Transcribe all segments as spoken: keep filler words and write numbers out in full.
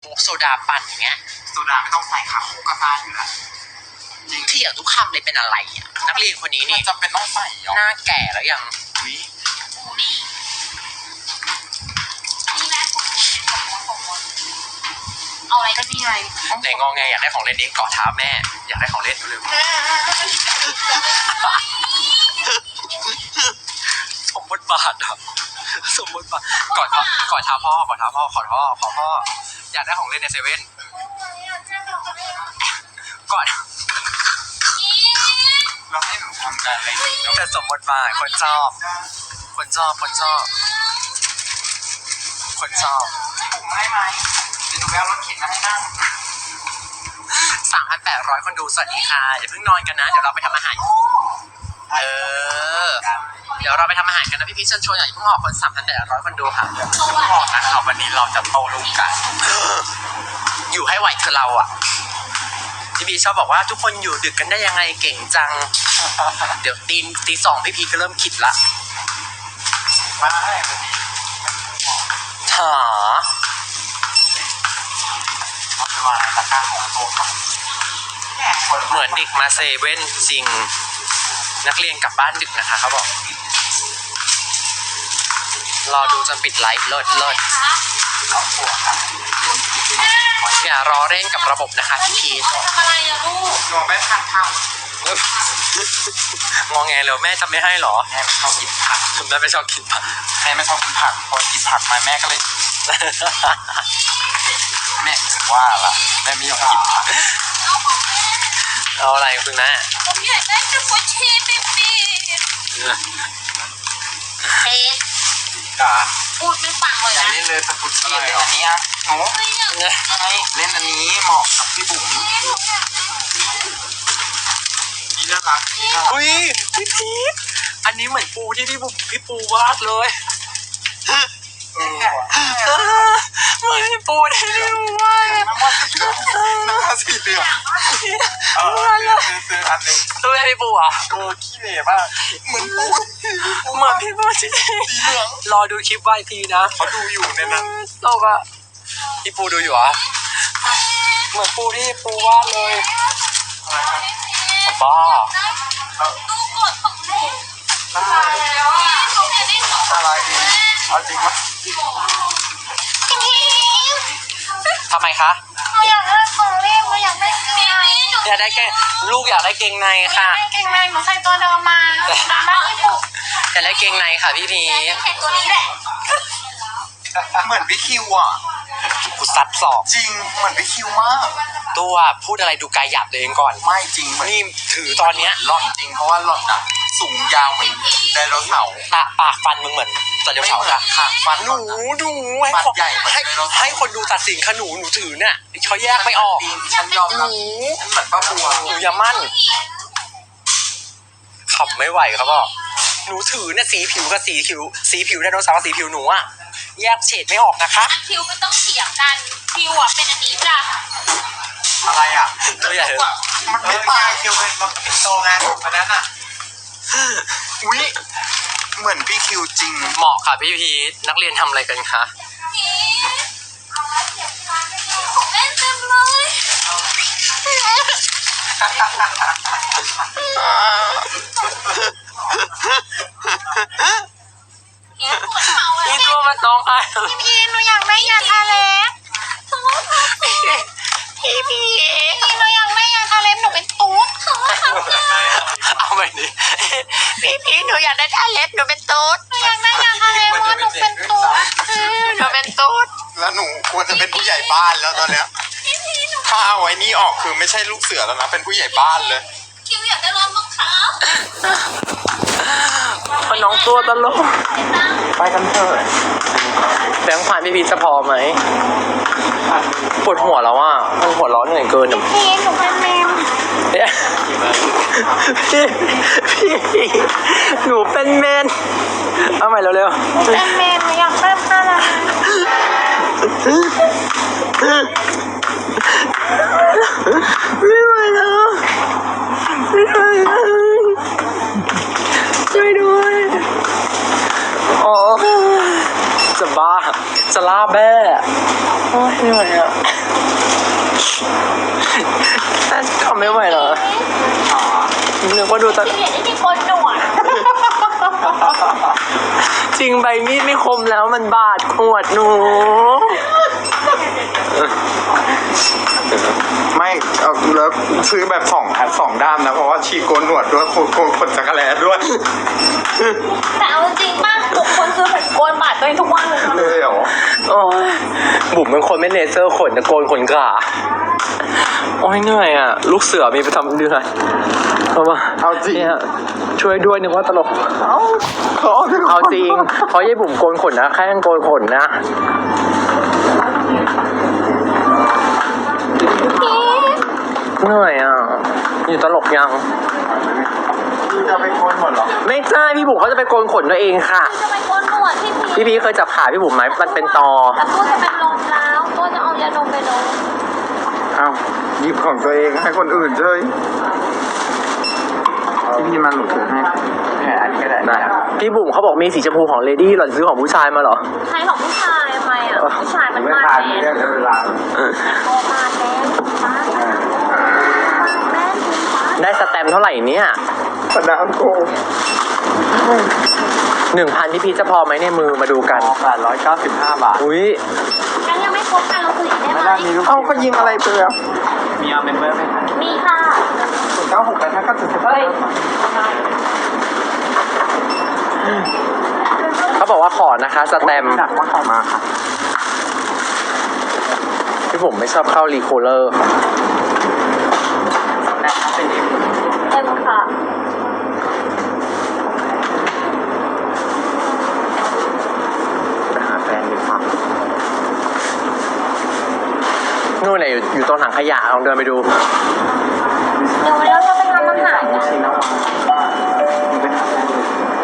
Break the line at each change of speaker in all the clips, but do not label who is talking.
โซดาปั่นอย่างเงี้ย
โซดาไม่ต้องใส่ค่ะโคกาซ่าอยู่แล้ว
จริงที่อย่างทุกคำเลยเป็นอะไรอ่ะนักเรียนคนนี้นี่
จำเป็นต้องใส่
หน้าแก่แล้วยัง
อุ้ย
นี่นี่แม่ผมผมผมเอาอะไรก็นี่ไง
ไหนงอไงอยากได้ของเล่นนี้เกาะเท้าแม่อยากได้ของเล่นเร็วสมบทบาทอ่ะสมบทบาทกอดกอดเท้าพ่อกอดเท้าพ่อขอพ่อขอพ่ออยากได้ของเล่นในเซเว่นกอด
เราให้หนูทำกันอะไร
แต่สมบทบาทคนชอบคนชอบคนชอบคนชอบ
ผมให้ไหมเดี๋ยวหนูไปเอารถเข็นมาให้นั่ง
สามพันแปดร้อยคนดูสวัสดีค่ะอย่าเพิ่งนอนกันนะเดี๋ยวเราไปทำอาหารเออเดี๋ยวเราไปทำอาหารกันนะพี่พีชเชิญชวนอย่าเพิ่งออกคนสามพันแปดร้อยคนดูค่ะ
บอกนะครับวันนี้เราจะโตลูกกัน
อยู่ให้ไหวคือเราอ่ะพี่พีชชอบบอกว่าทุกคนอยู่ดึกกันได้ยังไงเก่งจังเดี๋ยวตีตีสองพี่พีชก็เริ่มคิดละ
มาให้วันนี้
หา
เอาไปวางในตะกร้าของโต๊ะ
เหมือนเด็กมาเซเว่นจริงนักเรียนกลับบ้านดึกนะคะเขาบอกรอดูจนปิดไลฟ์เลิศเลิศอย่ารอเร่งกับระบบนะคะพี่พีช
ทำอะไรอะลูก
หนูไม่ทันทำ
งอแงเลยแม่จะไม่ให้หรอ
แม่ไม่ชอบกินผัก
แม่ไม่ชอบกินผัก
แม่ไม่ชอบกินผักพอกินผักมาแม่ก็เลยแม่ถึงว่าล่ะแม่ไม่ยอมกินผัก
เอาอะไรคุณแม่
ผมอยากได้สกุชชี่ปิ๊บปิ๊บเฮ้ยพูดไม่ฟังเลยนะ
เล่นเลยสกุชชี่เล่นอันนี้อ่ะหนูเล่นอันนี้เหมาะกับพี่บุ๋มนี่น่ารัก
อุ้ยพี่พีชอันนี้เหมือนปูที่พี่บุ๋มพี่ปูวาดเลยเหมือนพี่ปูที่พี่ปูวาด
น้ำมันสีเหลืองเออซื้ออันนึง
ตัวแม่พี่ปูอ่ะ
โอ้ขี้เหร่มากเหมือนปู
เหมือนพี่ปูสี
เหลือง
รอดูคลิปไว้ทีนะ
เขาดูอยู่ในนั้น
โลกอะพี่ปูดูอยู่อ่ะเหมือนปูที่ปูวาดเลยบ้า
อะไรเอาจริงมั้ย
ทำไมคะ
อยากได้ของเล่นอยากได้เกงใน
อยากได้เกงลูกอยากได้เกงในค่ะ
เกงในหนูใส่ตัวเดิมมาหนูไม่ได้ปุก
อยากได้เกงในค่ะพี่พี
ใส่ตัวนี้แหละ
เหมือนพี่คิวอ่ะ
กูซัดสอบ
จริงเหมือนพี่คิวมาก
ตัวพูดอะไรดูกายหยาบตัวเองก่อน
ไม่จริงเหมือน
นี่ถือตอนเนี้ย
หล่อนจริงเพราะว่าหล่อนอ่ะสูงยาวเหมือนไดโนเสาร์
ตาปากฟันมึงเหมือนไดโนเสาร์
ค่ะฟัน
หนูดูให้คนให้ให้คนดูตัดสินขนูหนูถือเนี่ยเขาแยกไม่ออก
ฉันยอมรับเหมือนป้าบัว
หนูอย่ามั่นขับไม่ไหวครับพ่อหนูถือเนี่ยสีผิวกับสีผิวสีผิวไดโนเสาร์สีผิวหนูอะแยกเฉดไม่ออกนะคะ
ผิวมันต้องเฉียงกันผิวอะเป็นอันนี้จ้ะ
อะไรอ่ะ
ตัวใหญ่
มันไม่ตายคิวเป็นมันเป็นโตไงอันนั้นอ่ะอุ้ยเหมือนพี่คิวจริง
เหมาะค่ะพี่พีทนักเรียนทำอะไรกันคะ
ของเล่นเต็มเลย
นี่ตัวมันน้องไอ้
พี่พีหนูอยากได้ยาทาเล็บพี่พีหนูอยากได้ยาทาเล็บหนูเป็นตุ๊ด
เอาไปดิพี่พีหนูอยากได้ทาเล็บหนูเป็นตุ๊ด
หนูอยากได้ยาทาเล็บเพราะหนูเป็นตุ๊ด
หนูเป็นตุ๊ด
แล้วหนูควรจะเป็นผู้ใหญ่บ้านแล้วตอนเนี้ยถ้าเอาไว้นี่ออกคือไม่ใช่ลูกเสือแล้วนะเป็นผู้ใหญ่บ้านเลย
คิวอยากได้รองเท้า
น้องตัวตลกไปกันเถอะแบงค์ผ่านพี่พีจะพอไหมปวดหัวแล้วอ่ะมันหัวร้อนเหนื่อยเกินอ่ะ
พี่หนูเป็นแมว
พี่พี่หนูเป็นเมนเอาใหม่เร็ว
ๆเป็นเมนอยากได้ผ้าละ
ไม่ไหวแล้วไม่ไหวแล้วช่วยด้วยอ๋อจะบ้าจะล่าแบ้โอ้ยเหนื่อยอ่ะทำไม่ไหวเหรอนึกว่าดูตอน
พี่เห็นที่โกนหนวด
จริงใบมีดไม่คมแล้วมันบาดขวดหนู
ไม่เอาแล้วซื้อแบบสองแพทสองด้ามนะเพราะว่าชีโกนหนวดด้วยโกนโกนขนจักรแลด้วย
แต่เอาจริงมากทุกคนซื้อแผ่นโกนบาดตัวเองทุกวันเลยนะ
เลยเหรอ
โอ้ยบุ๋มเป็นคนไม่เลเซอร์ขนแต่โกนขนขาโอ้ยเหนื่อยอ่ะ ลูกเสือมีประจำเดือนเอามา
เอาจริง
เนี่ยช่วยด้วยนึกว่าตลก
เอาเขา
เอาจริง เพราะยายบุ๋มโกนขนนะแค่โกนขนนะ เหนื่อยอ่ะ อยู่ตลกยัง
พี่จะไปโกนหมดเหรอ
ไม่ใช่พี่บุ๋มเขาจะไปโกนขนตัวเองค่ะ
จะไปโกนหนวดพี่พี
พี่พีเคยจับขาพี่บุ๋มไหมมันเป็นตอ
แต่ตัวจะเป็นลมแล้วตัวจะเอายาดมไปลง
เอาหยิบของตัวเองให้คนอื่นเลยพี่พี่มันหนูถือให้แหมอันนี้ก็ได้
ได้พี่บุ๋มเขาบอกมีสีชมพูของเลดี้หล่อนซื้อของผู้ชายมาเหรอ
ใครของผู้ชายทำไมอ่ะผู้ชายมัน
ไม่
มา
ทาน
แท
เรื่อน งเวลา
โตมาแทนฟ้าแม่คุณฟ้า
ได้สแตมป์เท่าไหร่เนี่ย
สนามโก
หนึ่งพันพี่พีชจะพอไหมในมือมาดูกัน
แปดร้อยเก้าสิบห้าบาท
อุ้ย
ยังยังไม่ครบกันเราซื้ออีกได้ไหม
เอาเขายิงอะไรไปแล้วมีเอาเมมเบอร์ไหม
มีค่ะ
ศูนย์เก้าหกแปดห้าเก้าเจ็ดสิบ
เฮ้ย
เขาบอกว่าขอนะคะสแตมป์
หนักมากมาค่ะ
พี่ผมไม่ชอบเข้ารีโคลเลอร์ค่ะ
แต่ถ้าเป็นเอง
เต็มค่ะ
ไปหาแฟนดีกว่า
นู่นไหนะอยู่อยู่ตรงถังขยะลองเดินไปดู
เดี๋ยววันนี้เราจะไปทำอาหารกัน
ชินะว่าไปหาแฟนดี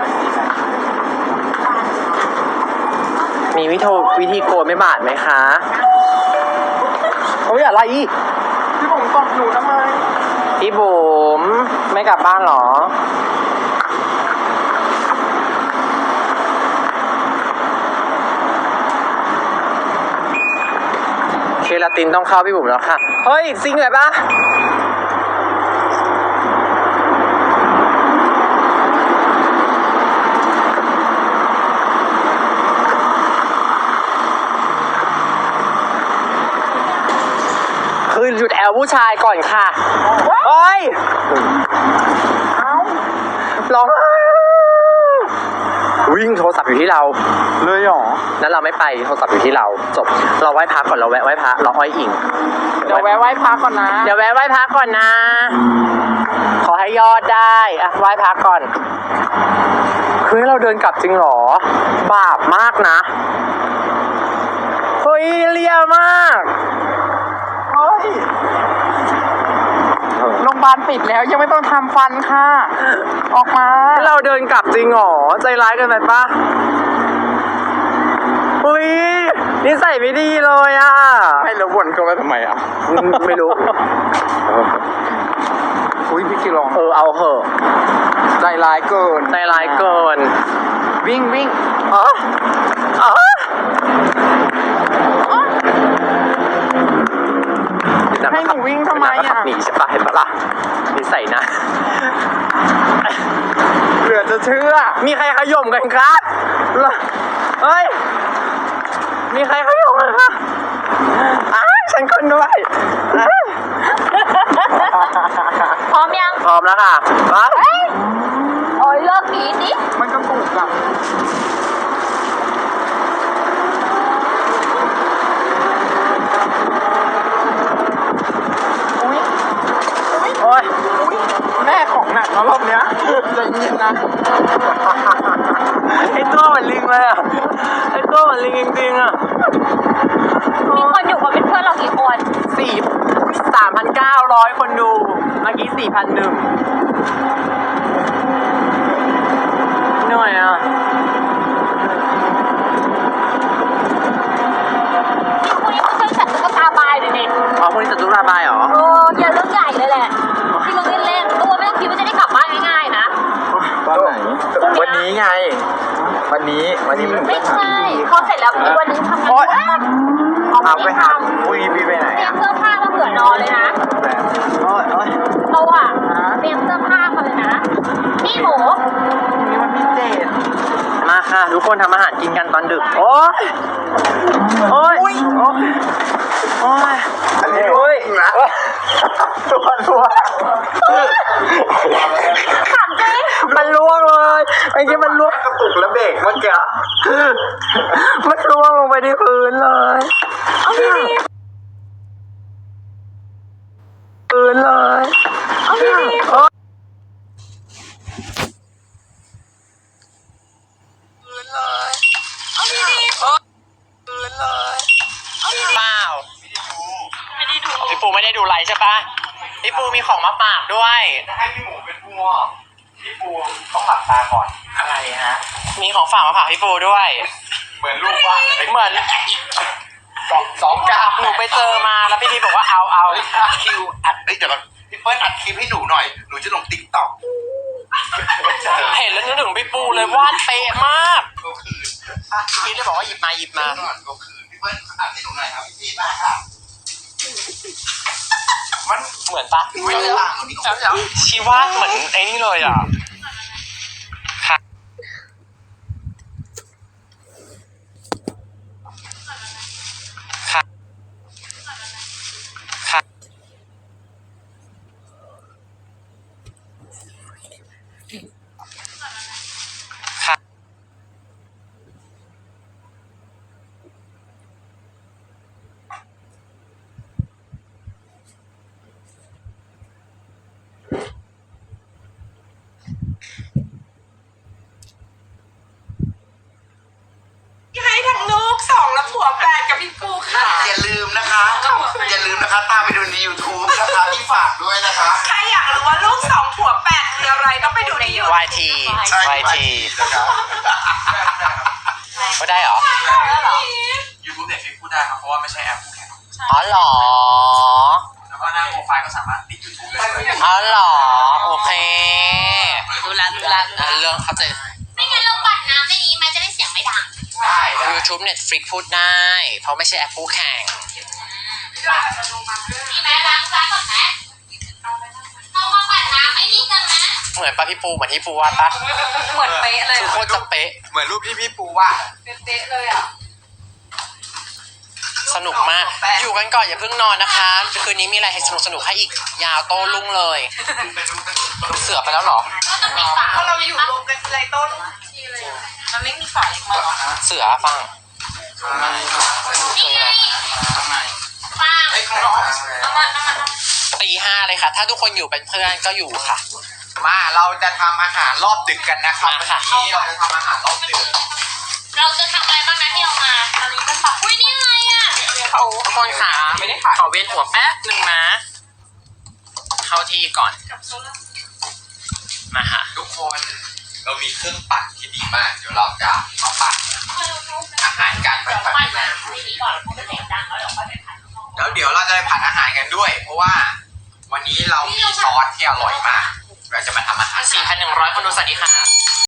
มีวิธีวิธีโกนไม่บาดไหมคะโอ้ยอะไรอีก
พี่ผมตอบหนูทำไม
พี่บุ๋มไม่กลับบ้านเหรอ เคลาตินต้องเข้าพี่บุ๋มแล้วค่ะ เฮ้ยซิงเลยปะคือหยุดแอลผู้ชายก่อนค่ะ เฮ้ยร้องไห้วิ่งโทรศัพท์อยู่ที่เรา
เลยเหรอ
นั้นเราไม่ไปโทรศัพท์อยู่ที่เราจบ เราไหว้พระก่อนเราแวะไหว้พระเราอ้อยอิง
เดี๋ยวแวะไหว้พระก่อนนะ
เดี๋ยวแวะไหว้พระก่อนนะ ขอให้ยอดได้อะไหว้พระก่อนคือให้เราเดินกลับจริงเหรอ บาปมากนะเฮ้ยเลียมาก
เฮ้ยโรงพยาบาลปิดแล้วยังไม่ต้องทำฟันค่ะ ออกมา
ให้เราเดินกลับจริงเหรอใจร้ายเกินไปปะอุ้ยนิสัยไม่ดีเลยอ่ะ
ให้แล้ววนเข้ามาทำไมอ่ะ
อืมไม่รู้
อุ้ยพี่กิลอง
เออเอาเหอะ
ใจร้ายเกิน
ใจร้ายเกิน
วิ่งวิ่ง
อ๋ออ๋อเดี๋ยว
ให้หนูวิ่งทำไม
เดี๋ยว
อ่ะ
ขับหนีใช่ปะเห็นปะล่ะนิสัยนะ
เหลือจะเชื่อ
มีใครขย่มกันครับเฮ้ย มีใครขย่มกันครับอ้าวฉันคนด้วยอ้าว
พร้อมยัง
พร้อมแล้วค่ะมา
เฮ้ยโอ้ยเลิกหนีดิ
มันก็ถูกอ่ะ อุ้ย
โอ้ย
อุ้ยแม่ของหนักแล้วรอบเนี้ยใจเย็นนะ
ไอตัวเหมือนลิงเลยอ่ะ ไอตัวเหมือนลิงจริงๆอ่ะ
มีคนอยู่กับเป็นเพื่อนเรากี่คน
สี่สามพันเก้าร้อยคนดู เมื่อกี้สี่พันหนึ่งเหนื่อยอ่ะ
คุณยังไม่เคยจัดตุ๊กตาบายเลยเนี่ย
อ๋อพวกนี้จะตุลาบายเหรอ
โอ้ยาเรื่องใหญ่เลยแหละที่เราเล่นๆตัวไม่ต้องคิดว่าจะได้กลับบ้านง่ายๆนะ
ตอนไหน วันนี้ไง วันนี้ วันนี้มัน
ไม่ใช่พอเสร็จแล้วมีวันนึงทำงาน
โอ๊ย
ออก
เอาไปหาปุยบีไปไหน
เตรีย
อ่ะ
มเสื้อผ้ามาเผื่อนอนเลยนะ
โอ้ยโอ้ย
โตอ่ะเตรียมเสื้อผ้ามาเลยนะพี่หมู
นี่มันพิเศษ
มาค่ะ ทุกคนทำอาหารกินกันตอนดึก โอ้ยโอ้ยโอ้ยโอ้ย
อันนี้ด้วยนะตัวตัว
ถามจริง
มันล่วงเลยไอ้ที่มันล่วง
กระตุกแล้วเบรกเมื่อกี้
มันล่วงลงไปที่พื้นเลย
เอาดี
พื้นเลย
ๆเอาดี
โอ๊ยพื้นเลย
ๆเอาดี
พื้นเลยเปล่า
ๆไม่ได้ดู
พี่ปูไม่ได้ดูไลฟ์ใช่ปะพี่ปูมีของมาฝากด้วย
ให้พี่หมูเป็นผู้มอบพี่ปูต้องหลับตาก่อน อะไรฮะ
มีของฝากมาฝากพี่ปูด้วย
เหมือนลูกว่า
เหมือน
สองสองกาบ
หนูไปเจอมาแล้วพี่ทีบอกว่าเอาเอา
คิวอัดเฮ้ยเดี๋ยวก่อนพี่เปิ้ลอัดคลิปให้หนูหน่อย หนูจะลงติ๊กต็อก
เห็นแล้วนึกถึงพี่ปูเลยวาดเป๊ะมาก
ก็คือ
พี่เลยบอกว่าหยิบมาหยิบมา
ก่อนก็คือพี่เปิ้ลอัดให้หนูหน่อยครับพี่มากครับ
มัน เหมือนปะ
ไม่ได้ต่างหนูนี่ของ
ชีวาดเหมือนไอ้นี่เลยอ่ะค่ะค่ะค่ะค่ะ
ให้ทั้งลูกสองและผัวแปดกับพี่ปูค่ะ
อย่าลืมนะคะ อย่าลืมนะคะ ตามไปดูใน ยูทูบ นะคะที่ฝากด้วยนะคะ
ใครอยากรู้ว่าลูกสองผัวแปดคืออะไรต้องไปดูในยูทูบ
วายที
ใช่
วายที
นะครับ
ก็ได้เหรอ
ยูทูบเน็ตฟิกพูดได้ครับเพราะว่าไม่ใช่แอปคู่แข่ง
อ๋อเหรอ
แล้วก็หน้าโปรไฟล์ก็สามารถติดยูทูบได้เลย
อ๋อเหรอ โอเค
ดูแลดูแลดูแล
อ่ะเรื่องเข้าใจ
ไม่งั้นเราปัดน้ำในนี้มันจะได้เสียงไม่ดัง
ได้ได้
YouTube Netflix พูดได้ เพราะไม่ใช่แอปคู่แข่ง
มีไหมล้างจานก่อนไหมเรามาปัดน้ำไอ้นี่กันนะ
เหมือนปะพี่ปูเหมือนที่ปูวาดปะ
เหมือนเป๊ะเลย
คือโคตรจะเป๊ะ
เหมือนรูปที่พี่ปูว่า
เป๊ะเลยอ่ะ
สนุกมาก อยู่กันก่อนอย่าเพิ่งนอนนะคะ คืนนี้มีอะไรให้สนุกสนุกๆให้อีก ยาวโต้รุ่งเลย เสือไปแล้วเหรอ
ก็ต้องมีฝา
เพราะเราอยู่รวมกันไรต้นทีเลยมันไม่มีฝาเล็กมาหรอ
เสือฟัง
นี่ไง
ทำไม
ฟาง
ไอ้ข้างนอก
เอามาเอามาเอามา
ตีห้าเลยค่ะ ถ้าทุกคนอยู่เป็นเพื่อนก็อยู่ค่ะ
มาเราจะทำอาหารรอบดึกกันนะครับ
มาค่ะ
วันนี้เราจะทำอาหารรอบดึก
เราจะทำอะไรบ้างนะที่เรามาตอนนี้ก็ปักอุ้ยนี่อะไรอ่ะ
เขาทุกคนขาไม่ได้ขอเวียนหัวแป๊บหนึ่งนะ เข้าที่ก่อน มาค่ะ
ทุกคนเรามีเครื่องปั่นที่ดีมาก เดี๋ยวเราจะมาปั่นอาหารกันไป
เดี๋ยว
ปั่
ปั่
น
นน้ำในนี้ก่อนเพราะมันเสียงดังแล้วเดี๋ยวค่อยไปผัดข้างนอก
แล้วเดี๋ยวเราจะไปผัดอาหารกันด้วย เพราะว่าวันนี้เรามีซอสที่อร่อยมาก เราจะมาทำอาหาร
สี่พันหนึ่งร้อยคนดูสวัสดีค่ะ